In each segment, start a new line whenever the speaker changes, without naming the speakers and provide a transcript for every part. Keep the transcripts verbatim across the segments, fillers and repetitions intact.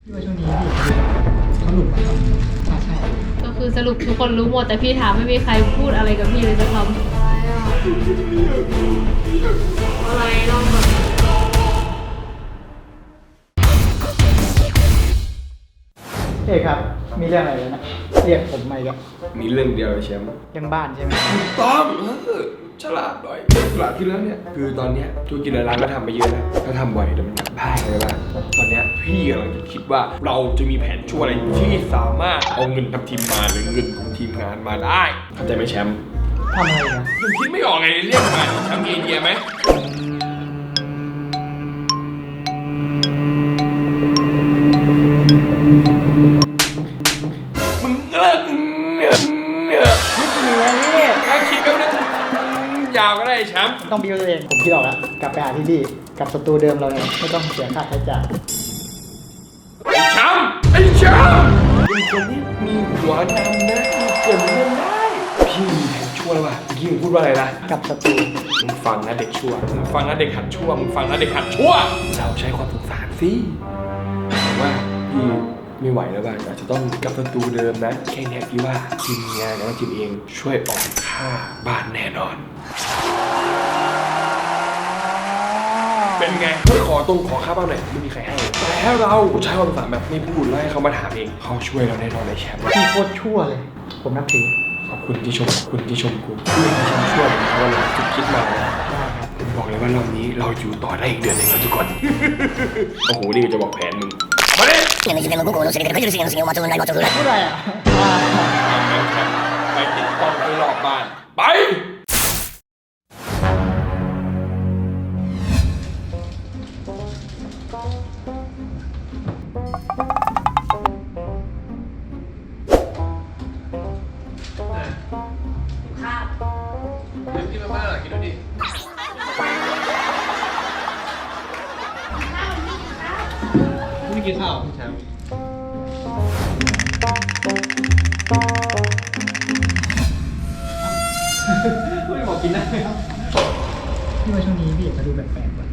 พี่ว่าช่วงนี้พี่เขาหลุดมาครับอ่าใช่
ก็คือสรุปทุกคนรู้หมดแต่พี่ถามไม่มีใครพูดอะไรกับพี่เลยสักคำอะไรอ่ะอะไรลองแบบ
เอกครับมีเรื่องอะไรนะเรียกผมมาอีกแล้ว
มีเรื่องเดียวเลยแชมป์
เรื่องบ้านใช่ไหม
ถูกต้องเออฉลาดหน่อยฉลาดที่แล้วเนี่ยคือตอนเนี้ยธุรกิจในร้านก็ทำไปเยอะแล้วถ้าทำบ่อยเดี๋ยวมันกลับบ้านเลยว่าตอนเนี้ยพี่กำลังจะคิดว่าเราจะมีแผนชั่วอะไรที่สามารถเอาเงินทำทีมมาหรือเงินของทีมงานมาได้เข้าใจไหมแชมป์
ทำอะไรนะ
ยังคิดไม่ออกไงเรียกมาแชมป์มีไอเดียไหมมึงเลิกเนี่ยเนี่ย
คิดเหนือนี่
ถ้าคิดก็ไม่ได้ยาวก็ได้แชมป์
ต้องบิวตัวเองผมคิดออกแล้วกลับไปหาที่พี่กลับสตูเดิมเราเนี่ยไม่ต้องเสียค่าใช้จ่าย
ไอ้แชมป์ไอ้แชมป์เป็นคนที่มีหัวนำนะมีเกิดเรื่องได้พี่มีแผนชั่วแล้วว่ะเมื่อกี้มึงพูดว่าอะไรนะ
กลับสตู
มึงฟังนะเด็กชั่วมึงฟังนะเด็กหัดชั่วมึงฟังนะเด็กหัดชั่วเราใช้ความสงสารสิว่าพี่ไม่ไหวแล้วบ้างอาจจะต้องกลับสตูเดิมนะแค่นี้พี่ว่าทีมงานกับทีมเองช่วยออกค่าบ้านแน่นอนเป็นไงเพื่อขอตรงขอค่าบ้านหน่อยไม่มีใครให้แต่ถ้าเราใช้ความสามารถแบบไม่พูดแล้วให้เขามาถามเองเขาช่วยเราแน่นอนเลยแชมป์
พี่โคตรชั่วเลยผมนับถือ
ขอบคุณที่ชมขอบคุณที่ชมกูที่ให้ฉันช่วยวันหลังจุดคิดมานะผมบอกเลยว่ารอบนี้เราอยู่ต่อได้อีกเดือนหนึ่งแล้วทุกคน โอ้โหนี่ก็จะบอกแผนมึงมาดิ
年の時点の五行のせいでくじるせいのせいを待つのない待つのない
พูดอะไรอ่ะ
ไปติดกล้องไปรอบบ้านไปกินมาม่าหรอกินดูดิไม่กินข้าวพี่แชมป์ไม่บอกกินได้
พี่ว่าช่วงนี้พี่เขาดูแปลกๆว่ะ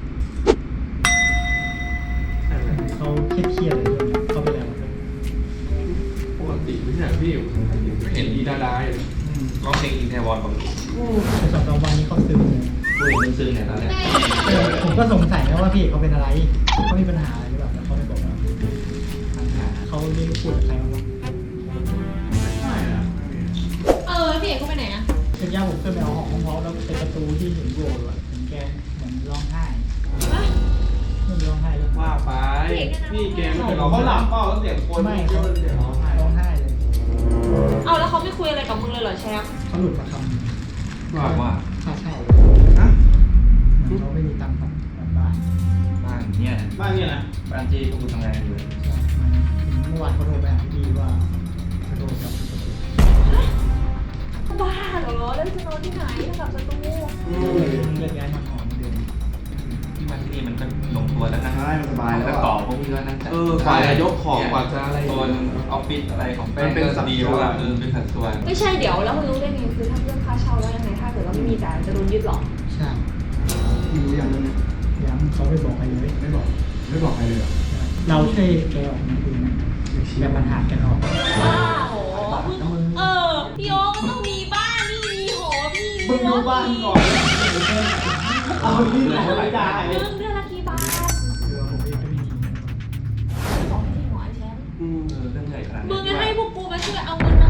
เขาเครียดๆเลยเขาไปแล้ว
ปกติไม่ใช่พี่ไม่เห็นดีดาดาเลยร้องเพลงอินเทอร์วอนบางที
แต่สองสามวันนี้เขาซึมเลย
พูดเรื่องซึ้งเนี่ยตอนแรก
เออผมก็สงสัยนะว่าพี่เขาเป็นอะไรเขามีปัญหาอะไรหรือเปล่าแต่เขาไม่บอกเราปัญหาเขาเรียกพูดกับใครบ้าง
ไม่อะ
เออพี่เอกเขาไปไหนอ่ะ
เช่นย่าผมเคยไปเอาของเขาแล้วเป็นประตูที่เห็นโบว์อะเห็นแกเหมือนร้องไห้ไม่ร้องไห้เลย
ว่าไปพี่แกไม่เคยร้องเขาหลับเปล่าแล้วเสียงคน
ไม่
เย
เขา
อะเสียงร้องไห้
ร้องไห้เลย
เอาแล้วเขาไม่คุยอะไรกับมึงเลยเหรอแชมป์
เขาหลุดมาคำ
ว่าว่า
ค่าเช่า
ฮะ
เขาไม่มีตังค์กลับบ้าน
บ้านเนี่ย
บ้านเนี่ยนะ
บ้านที่พวกกูทำงานอยู่
เมื่อวานเขาโทรไปหาพี่ว่าเขาโทรกลับประตู
บ้าเหรอแล้วจะนอนที่ไหนกับสตู
เลยเลื่อนย้ายมาหอมเดิม
ที่บ้านที่นี่มันก็ลงตัวแล้วนะ
ใช่มันสบายแล้ว
แล้ว
อะ
ต่อพวกพี่ก็นั่งจัด
เออกว่าจะยกของกว่าจะอะไร
โซนออฟฟิศอะไรของแป้ง
มันเป็น
ก็
สัด
ดี
ส่วน
ว่าเออเป็นสัดส่วน
ไม่ใช่เดี๋ยวแล้วมึงรู้ได้ไงคือถ้าเรื่องค่าเช่าแล้วยังไงถ้าเกิดว่าไม่มีจ่ายจะโดนยึดหรอ
ใช่
รู้อย่างนึง
ย้ำเขาไม่บอกใครเลย
ไม่บอกไม่บอกใครเลยเหรอ
เราช่วยแกออกมาดูนะแบบปัญหากันออก
ว้าวมึงเออพี่โอ๊ก็ต้องมีบ้านนี่มีหอพี่
มึงดูบ้านก่อนเอาที่ไหนไม่ได้
มึงเดือนละกี่บาท
คือผมเองก็ไม่มี
สองที่หัวแชมป์
เออเรื่องใหญ่ขนาด
มึ
นี้
งจะให้พวกกูมาช่วยเอาเงินมา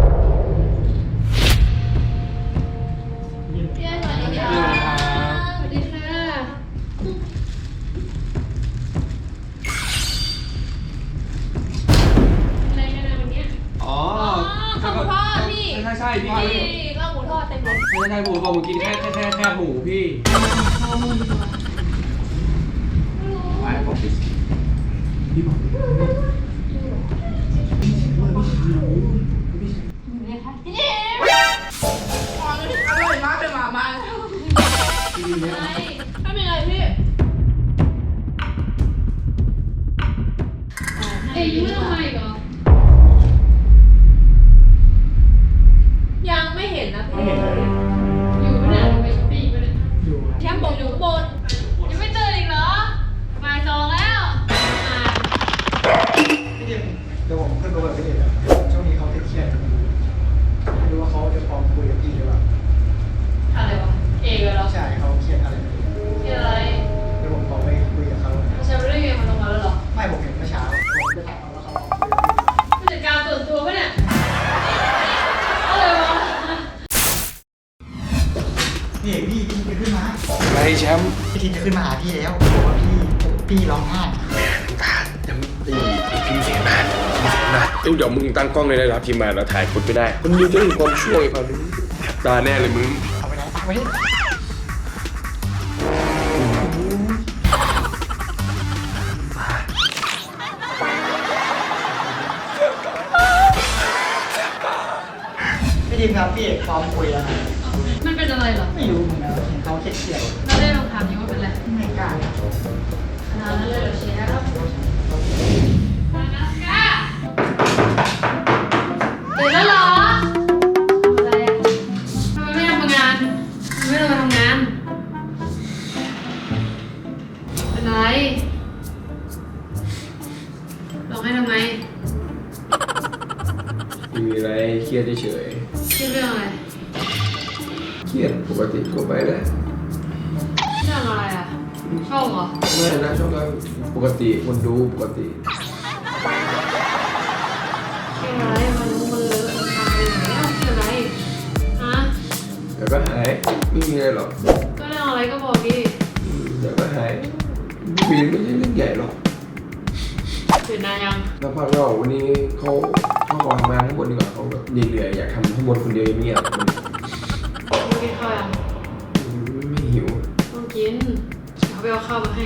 พี่สวัสดีค่ะสวัสดีค่ะอะไรกันนะวันเนี้ย
อ๋อ
ข้าวหมูทอดพี่
ใช่ใช่พี่
พี่ข้าวหมูทอดเต็มเลย
ใช่ใช่ผมบอกผมกินแค่แค่แค่แค่หมูพี่
ไอ้ผมปิด
พี่บอก
อร่อยมากเลยหมามาไม่เป็นไรพี่เอ้ยยูไม่ทำไมก่อนยังไม่เห็นนะพี่อยู่ไม่นานไปช้อปปิ้งไปเลย
อยู่
แชมป์บอกอยู่ข้างบนยังไม่ตื่นอีกเหรอบ่ายสองแล้วมา
งเดี๋ยวผมขึ้นไปเปิดไปเด็ดอะช่วงนี้เขาเครียดๆไม่รู้ว่าเขาจะพร้อมคุยกับพี่หรือเปล่า
อะไรวะเอกเหรอ
ใช่เขาเครียดอะไรไม่รู้
ที่อะไร
เดี๋ยวผมขอไปคุยกับเขา
ไม่ใช่เรื่องเกมมันลงมาแล้วเหรอ
ไม่ผมเห็นเมื่อเช้าผมจะถามเขาว่าเขา
ผู้จัดการส่วนตัวปะเนี่ยอะไรวะ
พี่เอกพี่พี่จะขึ้นมา
อะไรแชมป์
พี่ทินจะขึ้นมาหาพี่แล้วบอกว่าพี่พี่ร้องไห้
ตาจะไม่ตีพิมพ์เสียงนะพิมพ์เสียงนะเดี๋ยวมึงตั้งกล้องเลยนะครับทีมงานเราถ่ายคนไม่ได้คนดูจะเห็นความช่วยเขาตาแน่เลยมึง
เอาไปไหนตักไว้ พี่ทีมครับพี่เอกพร้อมคุยแล้วนะ
มันเป็นอะไรเหรอ
ไม่รู้เหมือนกันเห็นเขาเครียด
เราได้ลองถามยังว่าเป็นอะไร
ๆไม่กล้า
ขนาดนั้นเลยเหรอเชฟครับมานัสก้าเสร็จแล้วเหรออะไรอ่ะทำไมไม่ทำงานทำไมไม่ลงมาทำงาน เป็นอะไรร้องให้ทำไม
ไม่มีอะไรเครียดเฉย
คิดเรื่องอะไร
ๆเครียดปกติทั่วไปแหละ
เรื่องอะไรอ่ะชอบเหรอ
ไม่นะช่องเราปกติคนดูปกติ
เรื่องอะไรมันรู้มันเลอะมันทำอะไรอย่างเงี้ยเรื่องอะไรฮะ
เดี๋ยวก็หายไม่มีอะไรหรอก
ก็เรื่องอะไรก็บอกดิ
อืมเดี๋ยวก็หายไม่มีไม่ใช่เรื่องใหญ่หรอก
ตื่นนานยัง
แล้วพักเราวันนี้เขาเขาขอทำงานข้างบนดีกว่าเขาแบบเหนื่อยๆอยากทำข้างบนคนเดียวเงียบๆมัน
มึงกินข้าวยัง
ไม่หิว
ต้องกินเขาไปเอาข้าวมาให้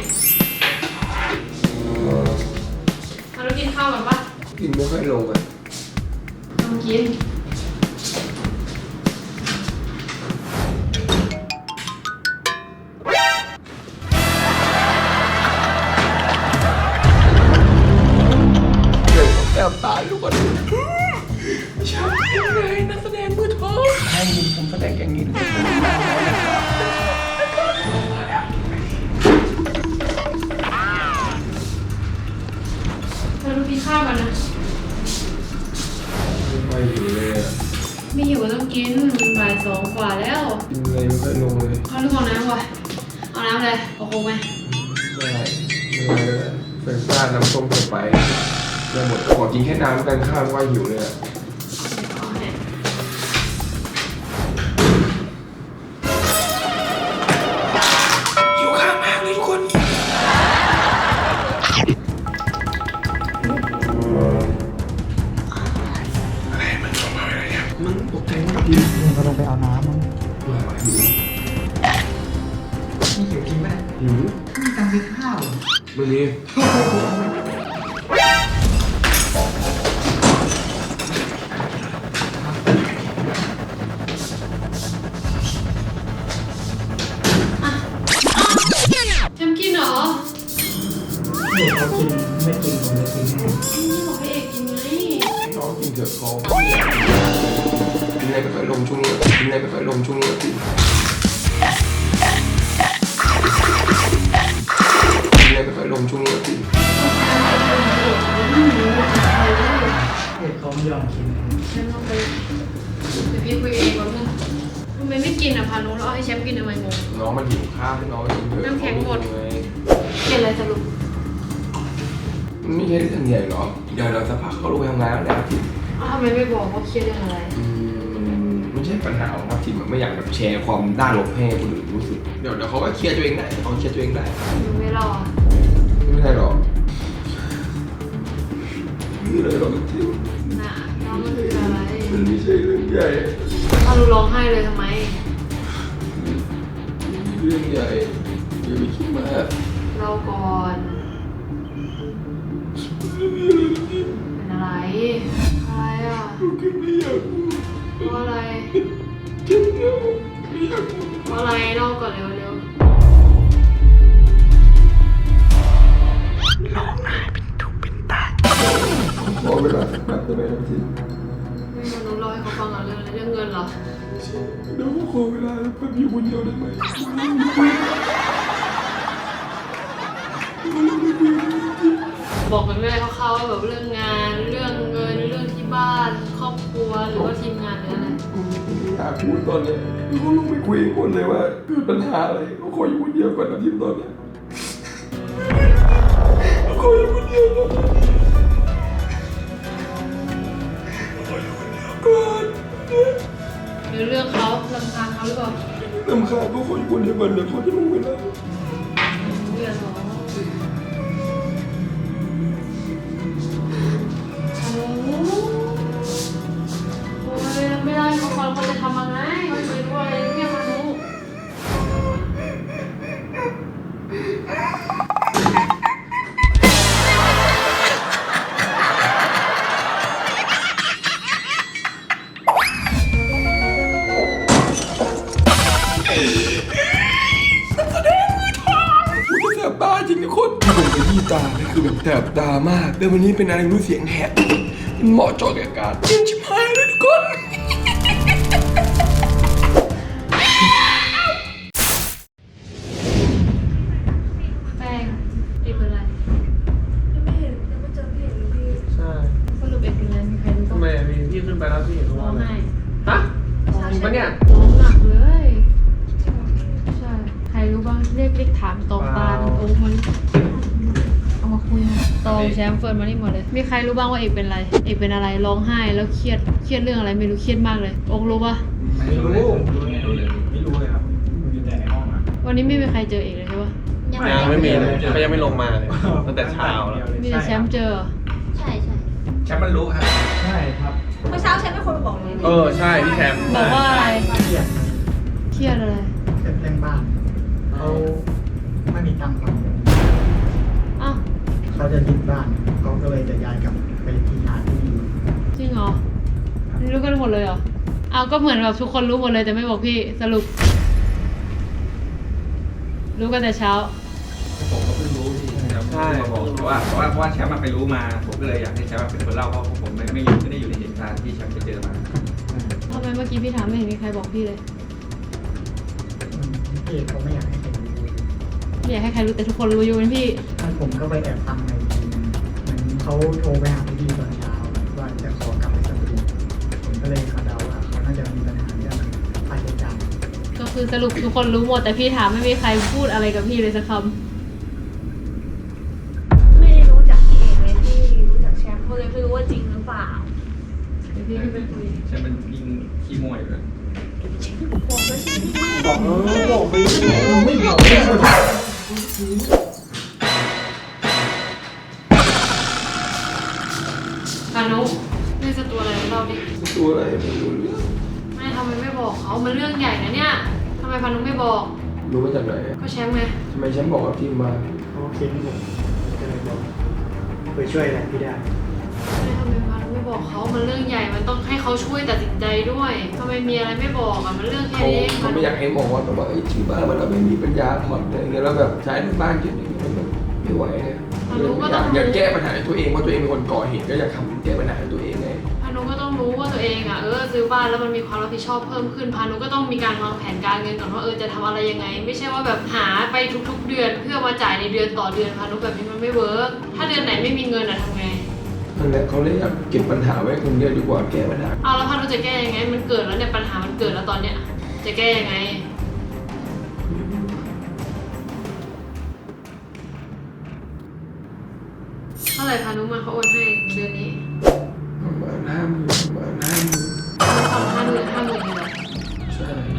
เอาแล้วกินข้าวกันปะ
กินไม่ค่อยลงอ่ะ
ต้องกิน
เดี๋ยวแอบตายลูกก่อนชอบยังไงนักแสดงมือทองให้ยินผมแสดงอย่างนี้เลย
เราต้องกินข้าวกันนะ
ไม่ค่อยหิวเลยอ่ะ
ไม่หิวก็ต้องกินมันบ่ายสองกว่าแล้ว
กินอะไรไม่ค่อยลงเลย
ข้าวลูกเอาน้ำวะเอาน้ำเลยเอาโค้งไหม
ไม่ได้ไม่ได้เลยเป็นซ่าน้ำส้มเกินไปแล้วหมดขอกินแค่น้ำกันข้าวว่าหิวเลยอ่ะ
เอาให้
หิวข้าวมากเลยทุกคนอะไรมันส่งมาอะไรเนี่ยมึงตกใจมากดิ
นี่เขาลงไปเอาน้ำมั้ง
หิว
นี่หิวจริงไหม
หิว
มีตังค์ซื้อข้าวเหรอ
ไม่มี
แชมกินเหรอ
พี่เอกเขากินไม่กินผมจะกินให้
นี่บอกให้เอกกินไง
ให้น้องกินเถอะเขากินอะไรไม่ค่อยลงช่วงนี้กินอะไรไม่ค่อยลงช่วงนี้กินกินอะไรไม่ค่อยลงช่วงนี้กิน
พี่เอกเขาไม่ยอมกิน
แชมป์ลองไปเดี๋ยวพี่คุยเองก่อนนึงทำไมไม่กินอ่ะพานุแล้วเอาให้แชมป์กินทำไมงง
น้องมันหิวข้าวให้น้องกินเถอะ
น้ำแข็งหมด
ไง
กินอะไรสรุป
มันไม่ใช่เรื่องใหญ่หรอกเดี๋ยวเราสักพักเขาลงไปทำงานแล้วแหละทิม
อ้าวทำไมไม่บอกว่าเครียดเรื่องอะไร
อืมมันไม่ใช่ปัญหาของทัพทิมอะไม่อยากแบบแชร์ความด้านลบให้คนอื่นรู้สึกเดี๋ยวเดี๋ยวเขาก็เคลียร์ตัวเองได้เขาเคลียร์ตัวเองได้
ยังไม่รอ
ไม่ใช่หรอกไม่เลยหรอกทิม
น่ะน้องมันคืออะไร
มันไม่ใช่เรื่องใหญ่
พานุร้องไห้เลยทำไม
เรื่องใหญ่อย่าไปคิดมาก
เราก่อน เป็นอะไร อะไรอ่ะ
ลูกก็ไม่อยากพูด
เพราะอะไร
เจ็บเงาไม่อยากพูด
เพราะอะไรเล่าก่อนเร็วเร็ว
ขอเวลาสักแป๊บได้ไหมทัพทิม
ไม่พานุเล่าให้เขาฟังก่อนเรื่องอะไรเรื่องเงินเหรอ
เดี๋ยวขอเวลาแป๊บอยู่คนเดียวได้ไหม
ไบอกกันเลยคร่าวๆว่าแบบเรื่องงานเรื่องเงินเรื่องที่บ้านครอบครัวหรือว่าทีมงานหรืออะไร
อยากพูดตอนเนี้ยพี่ก็ลงไปคุยกับคนเลยว่าเกิดปัญหาอะไรก็ขออยู่คนเดียวก่อนนะทีมตอนเนี้ยขออยู่คนเดียวก่อนขออยู่คนเดียวก่อน
หรือเรื่องเขาลำคาญเขาหรือเปล่า
ลำคาญก็ขออยู่คนเดียวก่อนเดี๋ยวเขาจะลงไปแล้ว
เรื่องเหรอโอ้ยไม่ได้เขาคนเขาจะทำยังไงเขาไม่รู้อะไรเนี่ยมารู้
กูจะแสบตาจริงทุกคนผมไปที่ตานี่คือแบบแสบตามากแล้ววันนี้เป็นอะไรไม่รู้เสียงแหบมันเหมาะเจาะกับอากาศเย็นชิบหายเลยทุกคน
แป้งเอกเป็นไร
ยังไม่เห็นยังไม่เจอพี่เห็นเลยพี่
ใช่
สรุปเอกเป็นไรมีใครรู้
ทำ
บ้าง
ไมอะพี่พี่ขึ้นไปแล้วพี่เห็น
ร้
ว่า
อง
อะไร
ไห้
ฮะจริงปะเนี่ย
ร้องหนักเลยใช่ใครรู้บ้างเรียกเรียกถามตองตาลโอ้มันเอามาคุยนะตองแชมป์เฟิร์นมานี่หมดเลยมีใครรู้บ้างว่าเอกเป็นอะไรเอกเป็นอะไรร้องไห้แล้วเครียดเครียดเรื่องอะไรไม่รู้เครียดมากเลยโอ๊กรู้ปะ
ไม่รู้เลยไม่รู้เลย
ไม่รู้เลยครับอยู่แต่ในห้องอ่ะ
วันนี้ไม่มีใครเจอเอกเลยใช่ปะ
ยังไม่มีเลยเขายังไม่ลงมาเลยตั้งแต่เช้าแล้ว
มีแต่แชมป์เจอ
ใช่ใช่
แชมป์มันรู้ครับ
ใช่ครับ
เมื่อเช้าแชมป์เป็นคนมาบอกเลย
เออใช่พี่แชมป์
บอกว่าอะไร
เครียด
เครียดอะไร
เครียดเรื่องบ้านเขาไม่มีตังค์ผ่อน
อ้าว
เขาจะยึดบ้านเขาก็เลยจะย้ายกลับไปที่หาที่อยู่
จริงเหรอรู้กันหมดเลยเหรอเอาก็เหมือนแบบทุกคนรู้หมดเลยแต่ไม่บอกพี่สรุป รู้กันแต่เช้า
ผมก็เพิ่งรู้พี่แชมป์มาบอกเพราะว่าเพราะว่าเพราะว่าแชมป์มาไปรู้มาผมก็เลยอยากให้แชมป์เป็นคนเล่าเพราะผมไม่ไม่ไม่ได้อยู่ในเหตุการณ์ที่แชมป์ไปเจอมา
ทำไมเมื่อกี้พี่ถามไม่เห็นมีใครบอกพี่เลย
อืมพี่เขาไม่อยากให้ใครรู้
ไม่อยากให้ใครรู้แต่ทุกคนรู้อยู่เป็นพี่
ถ้าผมก็ไปแอบฟังในทีนึงเหมือนเขาโทรไปหาพี่ตอนเช้าว่าจะขอกลับไปสตูผมก็เลยคาดเดาว่าเขาน่าจะมีปัญหาเรื่องค่าใช้จ่าย
ก็คือสรุปทุกคนรู้หมดแต่พี่ถามไม่มีใครพูดอะไรกับพี่เลยสักค
ไม่ได้รู้จักพี่เอกเลยที่รู้จักแชมป์ก็เลยไม่รู้ว่าจริงหรือเปล่า
ำเดี๋ยวพี่ขึ้นไปคุย
แชมป์มันยิงขี้มวยเลย
บอกเลยใช่ไหม
บอกเออบอกไปไม่บอกไม่บอก
พานุเรื่องสตัวอะไรเราดิ
ตัวอะไรไม่รู้เรื่อง
ไม่ทำไมไม่บอกเขามันเรื่องใหญ่นะเนี่ยทำไมพานุไม่บอก
รู้มาจากไหนอะ
ก็แชมป์ไง
ทำไมฉันบอกกับทีมมา
เขาเค้นผมก็เลยบอกไปช่วยอะไรพี่ได้
ไม่ทำไมพานุไม่บอกเขามันเรื่องใหญ่มันต้องให้เขาช่วยตัดสินใจด้วยทำไมมีอะไรไม่บอกอ่ะมันเรื่องแค่
เขา
นี้เอง
เขา
พานุ
ไม่อยากให้มองว่าแบบว่าเอ้ยชื่อบ้านมันเราไม่มีปัญญาผ่อนอะไรเงี้ยแล้วแบบใช้ในบ้านเยอะอย่างเงี้ยมันแบบไม่ไหวเลยอยากอยากแก้ปัญหาให้ตัวเองว่าตัวเองเป็นคนก่อเหตุก็อยากทำแก้ปัญหาให้ตัวเองไง
พานุก็ต้องรู้ว่าตัวเองอ่ะเออซื้อบ้านแล้วมันมีความรับผิดชอบเพิ่มขึ้นพานุก็ต้องมีการวางแผนการเงินก่อนว่าเออจะทำอะไรยังไง ไม่ใช่ว่าแบบหาไปทุกๆเดือนเพื่อมาจ่ายในเดือนต่อเดือนพานุแบบนี้มันไม่เวิร์กถ้าเดือนไหนไม่มีเงินอ่ะทำไง
นั่นแหละเขาเลยอยากเก็บปัญหาไว้คนเดียวดีกว่าแก้ปัญหา
เอาแล้วพานุจะแก้ยังไง มันเกิดแล้วเนี่ยปัญหามันเกิดแล้วตอนเนี้ยจะแก้ยังไงเท่าไหร่พานุมาเขาโอนให้เดือนนี้
ประมาณห้าหมื่นประมาณห้าหมื่น
ทำห้าหมื่นห้าหมื่นเลยเหรอ
ใช่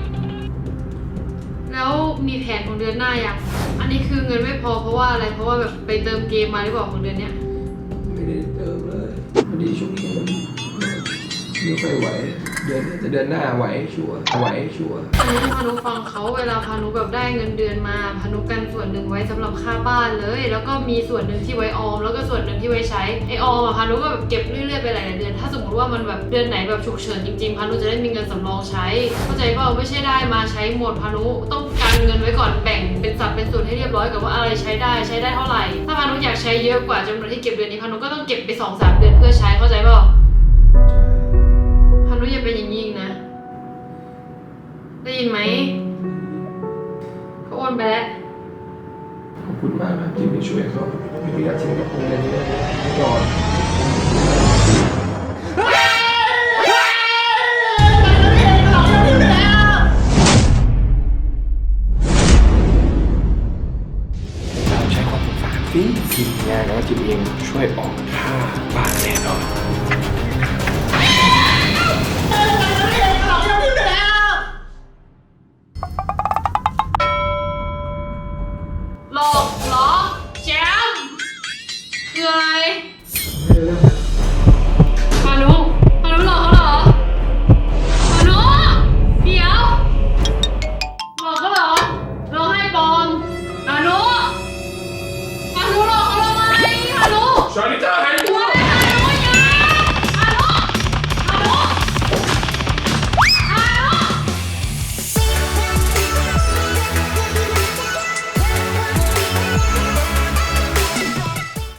แล้วมีแผนของเดือนหน้ายังอันนี้คือเงินไม่พอเพราะว่าอะไรเพราะว่าแบบไปเติมเกมมาหรือเปล่าของเดือนเนี้ย
ไม่ได้เติมเลยพอดีช่วงนี้มันไม่ค่อยไหวเดือนนี้แต่เดือนหน้าไหวชัวร์ไหวชัวร์
พานุพานุฟังเขาเวลาพานุแบบได้เงินเดือนมาพานุกันส่วนหนึ่งไว้สำหรับค่าบ้านเลย แล้วก็มีส่วนหนึ่งที่ไว้ออม แล้วก็ส่วนหนึ่งที่ไว้ใช้ไอออมอะพานุก็แบบเก็บเรื่อยๆไปหลายๆเดือน ถ้าสมมติว่ามันแบบเดือนไหนแบบฉุกเฉินจริงๆพานุจะได้มีเงินสำรองใช้ เข้าใจเปล่าไม่ใช่ได้มาใช้หมดพานุต้องการเงินไว้ก่อนแบ่งเป็นสัดเป็นส่วนให้เรียบร้อยกับว่าอะไรใช้ได้ใช้ได้เท่าไหร่ ถ้าพานุอยากใช้เยอะกว่าจำนวนที่เก็บเดือนนี้พานุก็ต้องเก็บไปสองสามเดือนเพื่อใช้เข้าใจเปล่าพานุอย่าเป็นอย่างนี้อีกนะ ได้ยินไหมเขาโอนไปแล้ว
ขอบคุณมากนะที่ไปช่วยเขาไม่มีอาชีพกับผมเลยนี่ก่อนเราใช้ความสงสารสิทีมงานแล้วก็ทีมเองช่วยออกค่าบ้านแน่นอน
หลอกเหรอแชมป์คืออะไร
ไม่รู้เรื่องนะ
พานุพานุหลอกเขาเหรอพานุเดี๋ยวหลอกเขาเหรอหลอกให้ปลอมพานุพานุหลอกเขาทำไมพานุ
ชาลิต้า